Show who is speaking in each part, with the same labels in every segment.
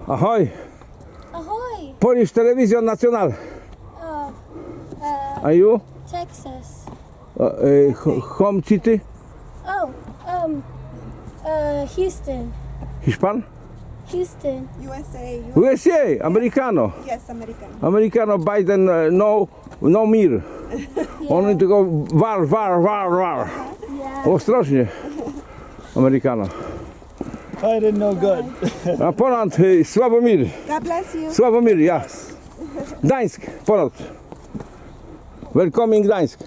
Speaker 1: Ahoy!
Speaker 2: Ahoy!
Speaker 1: Polish Television Nacional.
Speaker 2: Oh,
Speaker 1: Are you?
Speaker 2: Texas.
Speaker 1: Home city?
Speaker 2: Oh, Houston.
Speaker 1: Hiszpan?
Speaker 2: Houston.
Speaker 3: USA.
Speaker 1: USA, Americano.
Speaker 3: Yes, American.
Speaker 1: Americano, Biden, no mir. Oni tylko war.
Speaker 2: Yeah.
Speaker 1: Ostrożnie. Americano.
Speaker 4: I didn't know good.
Speaker 1: A Poland, Sławomir.
Speaker 3: God bless you.
Speaker 1: Sławomir, ja. Gdańsk, Poland. Welcoming Gdańsk.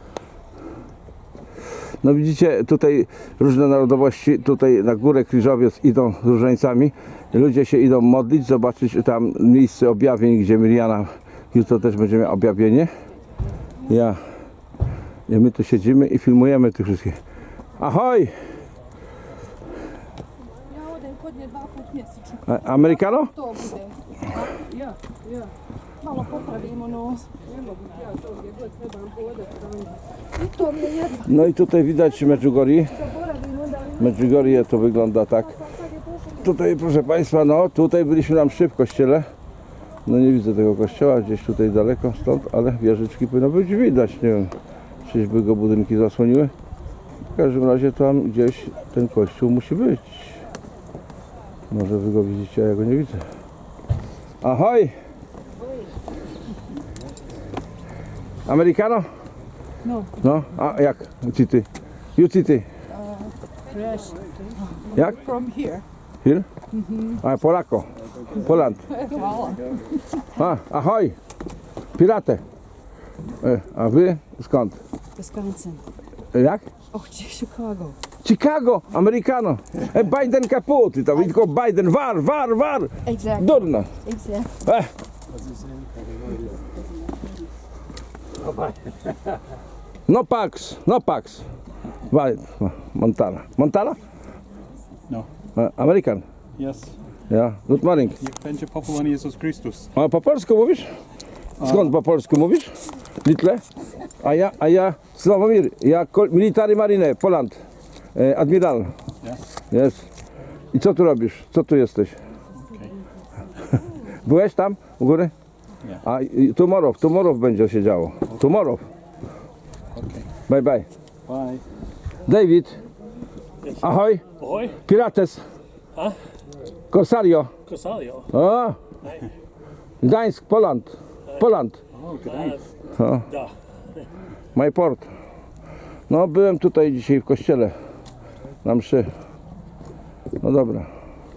Speaker 1: No widzicie, tutaj różne narodowości, tutaj na górę Krzyżowiec idą z różańcami. Ludzie się idą modlić, zobaczyć tam miejsce objawień, gdzie Miriana jutro też będzie miała objawienie. I my tu siedzimy i filmujemy tych wszystkich. Ahoj! Americano?
Speaker 5: To bude. Ja. Malo popravimo nos. Gdje trebam hodati tamo. I to mi je jedno.
Speaker 1: No i tutaj widać Medjugorje. Medjugorje to wygląda tak. Tutaj, proszę Państwa, no tutaj byliśmy na mszy w kościele. No nie widzę tego kościoła, gdzieś tutaj daleko stąd, ale wieżyczki powinno być widać. Nie wiem, czyżby go budynki zasłoniły. W każdym razie tam gdzieś ten kościół musi być. Może wy go widzicie, a ja go nie widzę. Ahoj! Americano?
Speaker 5: No.
Speaker 1: No, a jak? City? You city?
Speaker 5: Fresh.
Speaker 1: Jak?
Speaker 5: From here.
Speaker 1: Here? A, Polako. Poland.
Speaker 5: Hvala.
Speaker 1: Ahoj! Pirate. A wy skąd?
Speaker 5: Wisconsin.
Speaker 1: Jak?
Speaker 5: Oh, Chicago.
Speaker 1: Chicago, Americano. Biden kaput. I to tylko Biden, war.
Speaker 5: Exactly.
Speaker 1: Durna.
Speaker 5: Exactly.
Speaker 1: No Pax. Montana?
Speaker 4: No.
Speaker 1: American.
Speaker 4: Yes.
Speaker 1: Ja, good morning.
Speaker 4: Niech będzie powołany Jezus Chrystus.
Speaker 1: A po polsku mówisz? Skąd po polsku mówisz? Litle? A ja Sławomir, ja military marine, Poland. Admiral.
Speaker 4: Yes.
Speaker 1: Jest. I co tu robisz? Co tu jesteś?
Speaker 4: Okay.
Speaker 1: Byłeś tam u góry?
Speaker 4: Nie.
Speaker 1: A tomorrow będzie się działo. Tomorrow.
Speaker 4: Okay.
Speaker 1: Bye.
Speaker 4: Bye.
Speaker 1: David. Ahoj.
Speaker 6: Ahoy,
Speaker 1: Pirates. Corsario.
Speaker 6: Corsario.
Speaker 1: O. Gdańsk, Poland.
Speaker 4: Oh, good night.
Speaker 6: Da.
Speaker 1: My port. No byłem tutaj dzisiaj w kościele. Na mszy. No dobra.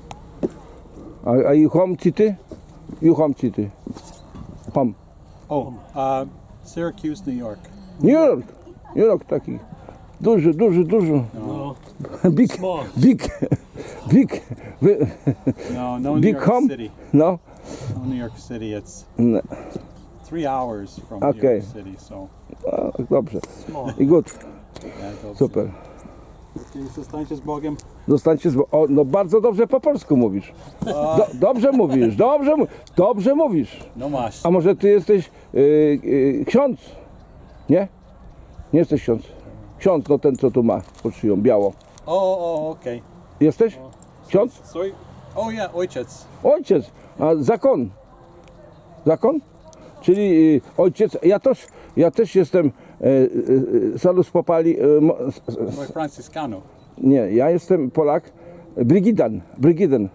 Speaker 1: A you home city? You home city. Home.
Speaker 4: Oh, Syracuse, New York.
Speaker 1: New York taki. Duży.
Speaker 6: No,
Speaker 1: Big.
Speaker 6: small.
Speaker 4: No, New
Speaker 1: Big
Speaker 4: York
Speaker 1: home?
Speaker 4: City.
Speaker 1: No.
Speaker 4: No, New York City. It's
Speaker 1: No.
Speaker 4: 3 hours from
Speaker 1: Okay.
Speaker 4: New York City, so
Speaker 1: Dobrze.
Speaker 6: Small.
Speaker 1: I good.
Speaker 4: yeah, to
Speaker 1: Super.
Speaker 4: Zostańcie z Bogiem.
Speaker 1: Zostańcie no bardzo dobrze po polsku mówisz. Dobrze mówisz.
Speaker 4: No masz.
Speaker 1: A może ty jesteś ksiądz? Nie? Nie jesteś ksiądz. Ksiądz, no ten co tu ma pod szyją, biało.
Speaker 4: Okay.
Speaker 1: Jesteś? Ksiądz?
Speaker 4: Sorry. Oh yeah, ojciec.
Speaker 1: Ojciec. A zakon? Zakon? Czyli ojciec. Ja też jestem Salus Popali.
Speaker 4: Soy Franciscano.
Speaker 1: Nie, ja jestem Polak. Brygidan.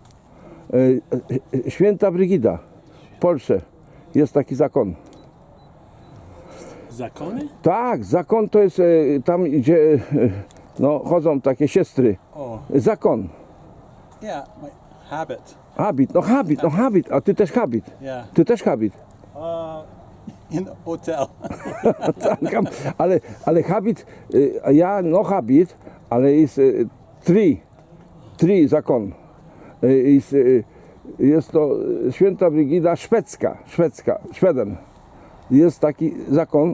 Speaker 1: Święta Brygida. W Polsce jest taki zakon.
Speaker 6: Zakony?
Speaker 1: Tak, zakon to jest tam, gdzie no, chodzą takie siostry.
Speaker 4: Oh,
Speaker 1: Zakon.
Speaker 4: yeah, my habit.
Speaker 1: Habit. A ty też habit.
Speaker 4: Yeah.
Speaker 1: Ty też habit.
Speaker 4: In the hotel.
Speaker 1: ale habit, ja no habit, ale jest trzy zakon. Jest to Święta Brygida Szweden. Jest taki zakon,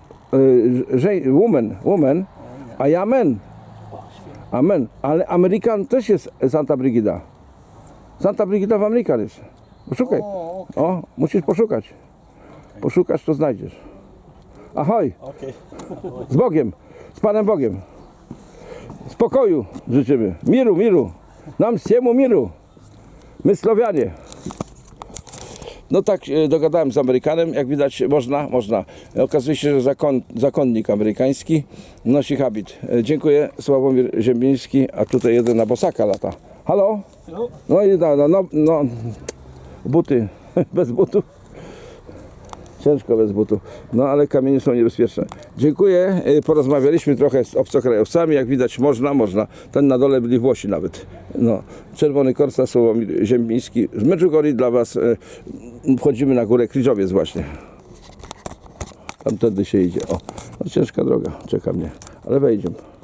Speaker 1: woman, a ja men. Amen. Ale Amerykan też jest Santa Brygida. Santa Brygida w Amerykan jest. Poszukaj. O, musisz poszukać. Poszukasz, to znajdziesz. Ahoj.
Speaker 4: Okay.
Speaker 1: Z Bogiem. Z Panem Bogiem. Spokoju życzymy. Miru. Nam всему miru. My Słowianie. No tak dogadałem z Amerykanem, jak widać można. Okazuje się, że zakonnik amerykański nosi habit. Dziękuję, Sławomir Ziembiński, a tutaj jeden na bosaka lata. Halo? No i no, buty, bez butów. Ciężko bez butów, no ale kamienie są niebezpieczne. Dziękuję, porozmawialiśmy trochę z obcokrajowcami, jak widać można. Ten na dole byli Włosi nawet. No, Czerwony Korsa, Sławomir Ziembiński. Z Medjugorje dla Was wchodzimy na górę Krzyżowiec właśnie. Tamtędy się idzie. O, no ciężka droga, czeka mnie, ale wejdziemy.